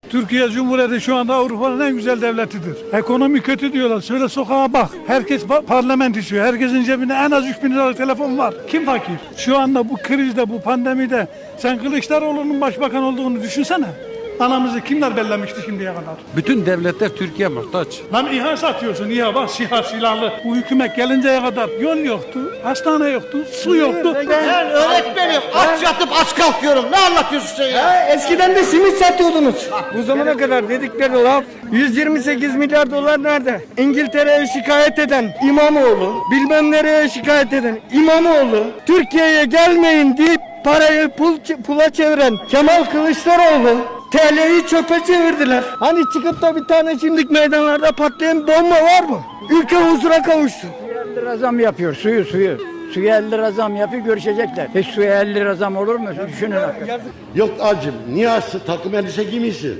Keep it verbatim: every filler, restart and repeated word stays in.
Türkiye Cumhuriyeti şu anda Avrupa'nın en güzel devletidir. Ekonomi kötü diyorlar. Şöyle sokağa bak. Herkes parlament işiyor. Herkesin cebinde en az üç bin liralık telefon var. Kim fakir? Şu anda bu krizde, bu pandemide sen Kılıçdaroğlu'nun başbakan olduğunu düşünsene. Anamızı kimler bellemişti şimdiye kadar? Bütün devletler Türkiye muhtaç. Lan İHA satıyorsun, İHA bak, SİHA silahlı. Bu hükümet gelinceye kadar yol yoktu, hastane yoktu, su yoktu. Ben öğretmenim, aç yatıp aç kalkıyorum. Ne anlatıyorsun sen ya? Ha, eskiden de simit satıyordunuz. Bu zamana kadar dedikleri laf yüz yirmi sekiz milyar dolar nerede? İngiltere'ye şikayet eden İmamoğlu, bilmem nereye şikayet eden İmamoğlu, Türkiye'ye gelmeyin deyip parayı pul, pula çeviren Kemal Kılıçdaroğlu, T L'yi çöpe çevirdiler. Hani çıkıp da bir tane şimdilik meydanlarda patlayan bomba var mı? Ülke huzura kavuştu. elli lira zam yapıyor suyu suyu. Suya elli lira zam yapıyor, görüşecekler. Hiç suya elli lira zam olur mu? Düşünün hakikaten. Yok acım, niye takım elbise giymişsin?